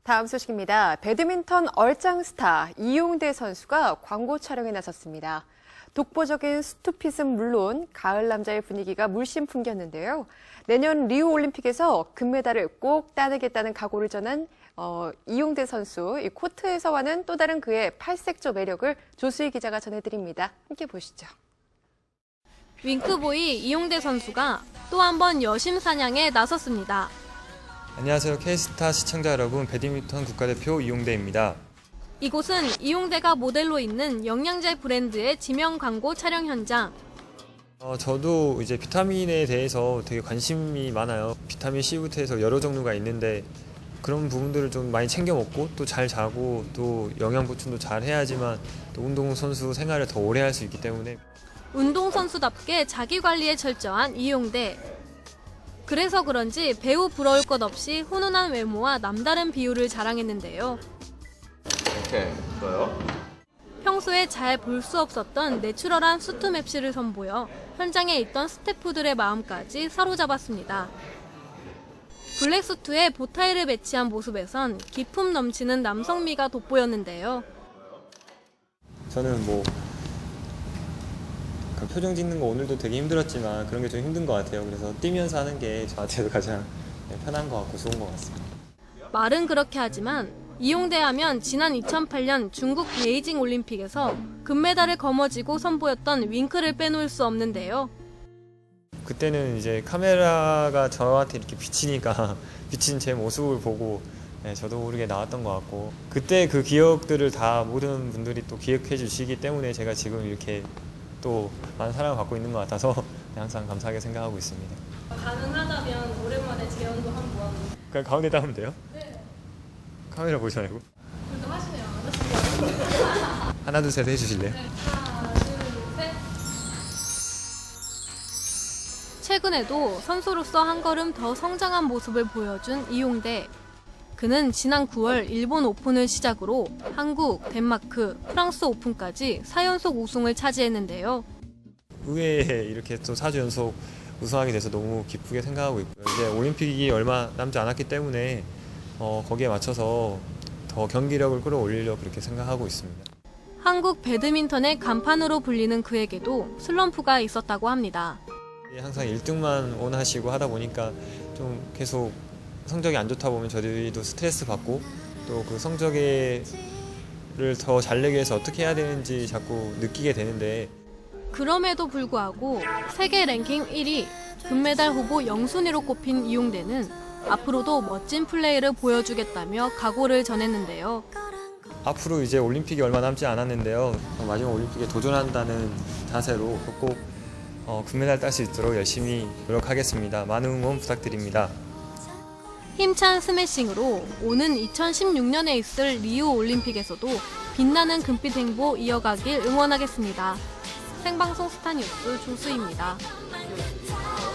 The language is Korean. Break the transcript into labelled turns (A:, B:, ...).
A: 다음 소식입니다. 배드민턴 얼짱 스타 이용대 선수가 광고 촬영에 나섰습니다. 독보적인 스투핏은 물론 가을 남자의 분위기가 물씬 풍겼는데요. 내년 리우 올림픽에서 금메달을 꼭 따내겠다는 각오를 전한 이용대 선수, 이 코트에서와는 또 다른 그의 팔색조 매력을 조수희 기자가 전해드립니다. 함께 보시죠.
B: 윙크보이 이용대 선수가 또 한 번 여심 사냥에 나섰습니다.
C: 안녕하세요. K스타 시청자 여러분, 배드민턴 국가대표 이용대입니다.
B: 이곳은 이용대가 모델로 있는 영양제 브랜드의 지명 광고 촬영 현장.
C: 저도 이제 비타민에 대해서 되게 관심이 많아요. 비타민 C부터 해서 여러 종류가 있는데 그런 부분들을 좀 많이 챙겨 먹고 또 잘 자고 또 영양 보충도 잘 해야지만 또 운동선수 생활을 더 오래 할 수 있기 때문에
B: 운동선수답게 자기관리에 철저한 이용대. 그래서 그런지 배우 부러울 것 없이 훈훈한 외모와 남다른 비율을 자랑했는데요.
C: 이렇게 좋아요.
B: 평소에 잘 볼 수 없었던 내추럴한 수트 맵시를 선보여 현장에 있던 스태프들의 마음까지 사로잡았습니다. 블랙 수트에 보타이를 매치한 모습에선 기품 넘치는 남성미가 돋보였는데요.
C: 저는 표정 짓는 거 오늘도 되게 힘들었지만 그런 게 좀 힘든 것 같아요. 그래서 뛰면서 하는 게 저한테도 가장 편한 것 같고 좋은 것 같습니다.
B: 말은 그렇게 하지만 이용대 하면 지난 2008년 중국 베이징 올림픽에서 금메달을 거머쥐고 선보였던 윙크를 빼놓을 수 없는데요.
C: 그때는 이제 카메라가 저한테 이렇게 비치니까 비친 제 모습을 보고 저도 모르게 나왔던 것 같고 그때 그 기억들을 다 모든 분들이 또 기억해 주시기 때문에 제가 지금 이렇게 또 많은 사랑을 받고 있는 것 같아서 항상 감사하게 생각하고 있습니다.
B: 가능하다면 오랜만에 재연도 한번.
C: 그냥 가운데다 하면 돼요?
B: 네.
C: 카메라 보지 말고.
B: 그래도 하시네요.
C: 하나 둘 셋 해주실래요?
B: 네. 하나, 둘, 셋. 최근에도 선수로서 한 걸음 더 성장한 모습을 보여준 이용대. 그는 지난 9월 일본 오픈을 시작으로 한국, 덴마크, 프랑스 오픈까지 4연속 우승을 차지했는데요.
C: 의회에 이렇게 또 4주 연속 우승하게 돼서 너무 기쁘게 생각하고 있고요. 이제 올림픽이 얼마 남지 않았기 때문에 거기에 맞춰서 더 경기력을 끌어올리려고 그렇게 생각하고 있습니다.
B: 한국 배드민턴의 간판으로 불리는 그에게도 슬럼프가 있었다고 합니다.
C: 항상 1등만 원하시고 하다 보니까 좀 계속 성적이 안 좋다 보면 저희도 스트레스 받고 또 그 성적을 더 잘 내기 위해서 어떻게 해야 되는지 자꾸 느끼게 되는데
B: 그럼에도 불구하고 세계 랭킹 1위, 금메달 후보 영순위로 꼽힌 이용대는 앞으로도 멋진 플레이를 보여주겠다며 각오를 전했는데요.
C: 앞으로 이제 올림픽이 얼마 남지 않았는데요. 마지막 올림픽에 도전한다는 자세로 꼭 금메달 딸 수 있도록 열심히 노력하겠습니다. 많은 응원 부탁드립니다.
B: 힘찬 스매싱으로 오는 2016년에 있을 리우 올림픽에서도 빛나는 금빛 행보 이어가길 응원하겠습니다. 생방송 스타뉴스 조수희입니다.